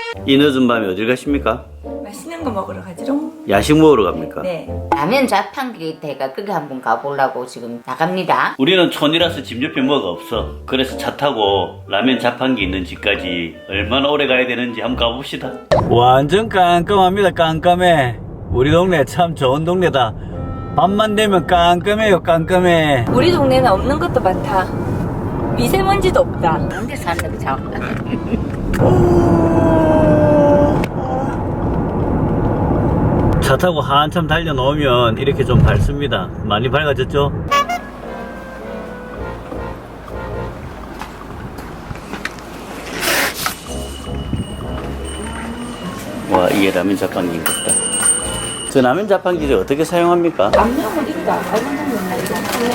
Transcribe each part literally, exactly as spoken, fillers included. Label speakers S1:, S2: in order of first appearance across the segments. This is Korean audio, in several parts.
S1: 이 늦은 밤에 어딜 가십니까?
S2: 맛있는 거 먹으러 가지롱.
S1: 야식 먹으러 갑니까?
S2: 네.
S3: 라면 자판기 대가 거기 한번 가보려고 지금 나갑니다.
S1: 우리는 촌이라서 집 옆에 뭐가 없어. 그래서 차 타고 라면 자판기 있는 집까지 얼마나 오래 가야 되는지 한번 가봅시다. 완전 깜깜합니다. 깜깜해. 우리 동네 참 좋은 동네다. 밤만 되면 깜깜해요. 깜깜해.
S2: 우리 동네는 없는 것도 많다. 미세먼지도 없다.
S3: 언제 산다고 자꾸.
S1: 차 타고 한참 달려놓으면 이렇게 좀 밝습니다. 많이 밝아졌죠? 와, 이게 라면 자판기인 것 같다. 저 라면 자판기를 어떻게 사용합니까?
S2: 남녀은 있다. 알만한 건 이거.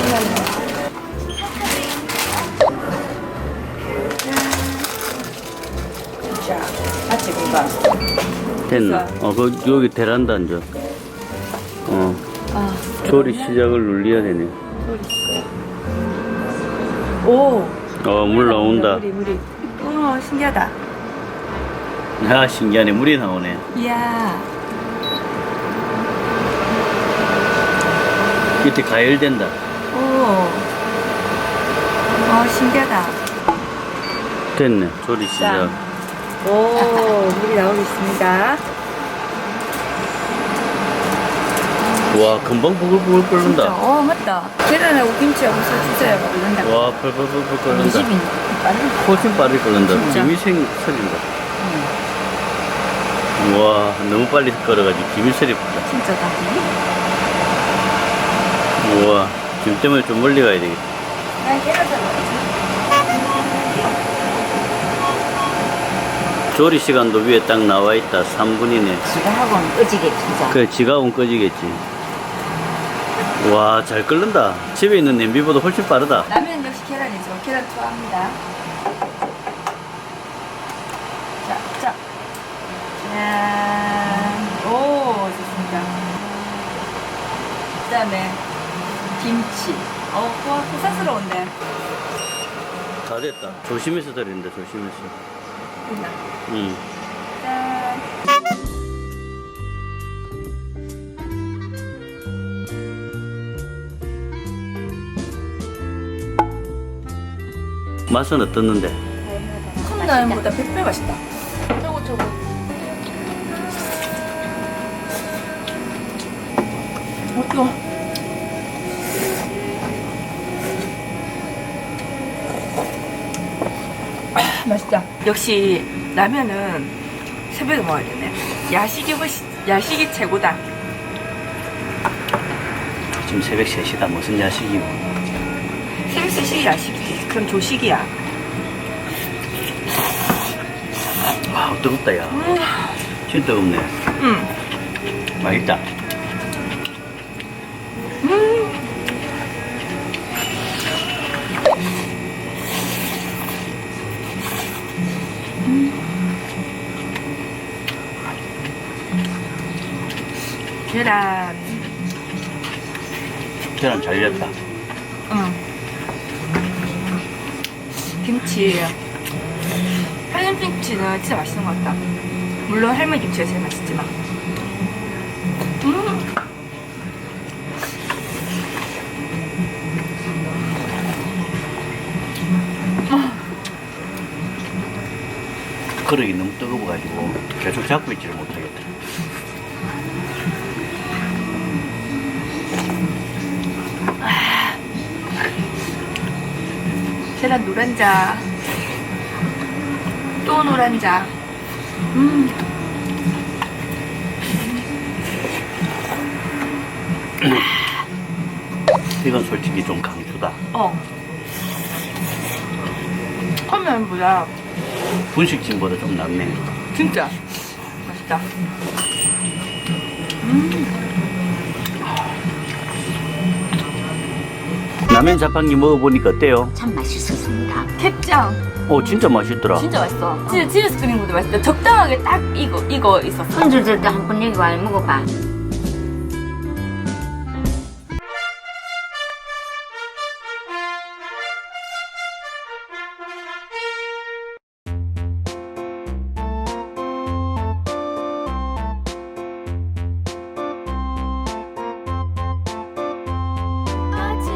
S2: 자, 같이 공감.
S1: 됐나? 어, 그, 여기 베란다 앉아. 어,
S2: 아,
S1: 조리 시작을 눌려야 되네.
S2: 오.
S1: 어, 물 나온다.
S2: 물이 물이. 오, 신기하다.
S1: 아, 신기하네. 물이 나오네.
S2: 이야.
S1: 밑에 가열된다.
S2: 오. 어, 신기하다.
S1: 됐네. 조리 시작.
S2: 오, 물이 나오고 있습니다.
S1: 와, 금방 부글부글
S2: 진짜,
S1: 끓는다.
S2: 어, 맞다. 계란하고 김치하고 서 주세요. 끓는다.
S1: 와, 펄펄펄펄 끓는다.
S3: 집이 빠른.
S1: 훨씬 빠르게 끓는다.
S3: 진짜?
S1: 김이 생, 서린다. 와, 너무 빨리 끓어가지고 김이 서리 붙다.
S2: 진짜다.
S1: 우와, 김 때문에 좀 멀리 가야 되겠다.
S2: 아, 계란 잘
S1: 조리 시간도 위에 딱 나와 있다. 삼 분이네.
S3: 지가 하고는 꺼지게 진짜.
S1: 그래, 지가온 꺼지겠지. 와, 잘 끓는다. 집에 있는 냄비보다 훨씬 빠르다.
S2: 라면 역시 계란이죠. 계란 좋아합니다. 자, 자. 짠. 오, 좋습니다. 그 다음에 김치. 어, 와, 고사스러운데.
S1: 다 됐다. 조심해서 들인다, 조심해서.
S2: 됐나?
S1: 응.
S2: 짠.
S1: 맛은 어떻는데?
S2: 컵라면보다 백 배 맛있다.
S3: 저거 저거.
S2: 어, 뜨거. 아, 맛있다. 역시 라면은 새벽에 먹어야 되네. 야식이 훨씬, 야식이 최고다.
S1: 지금 새벽 세 시다. 무슨 야식이고.
S2: 새벽 세 시 야식이지. 그럼 조식이야.
S1: 아, 뜨겁다, 야.
S2: 음,
S1: 진짜 뜨겁네.
S2: 음.
S1: 맛있다.
S2: 음. 계란.
S1: 계란 잘 익었다.
S2: 응. 김치. 할머니 김치는 진짜 맛있는 것 같다. 물론 할머니 김치가 제일 맛있지만. 음.
S1: 그릇이 너무 뜨거워가지고 계속 잡고 있지를 못하겠다.
S2: 계란 노란자. 또 노란자. 음.
S1: 이건 솔직히 좀 강추다.
S2: 어. 컵라면보다
S1: 분식집보다 좀 낫네.
S2: 진짜 맛있다. 음.
S1: 라면 자판기 먹어보니까 어때요?
S3: 참 맛있었습니다.
S2: 캡장.
S1: 오, 진짜 맛있더라.
S2: 진짜 맛있어. 진짜 집에서 끓인 것보다 맛있다. 적당하게 딱 이거 이거 있었어.
S3: 손주들도 한번 여기 와 먹어봐.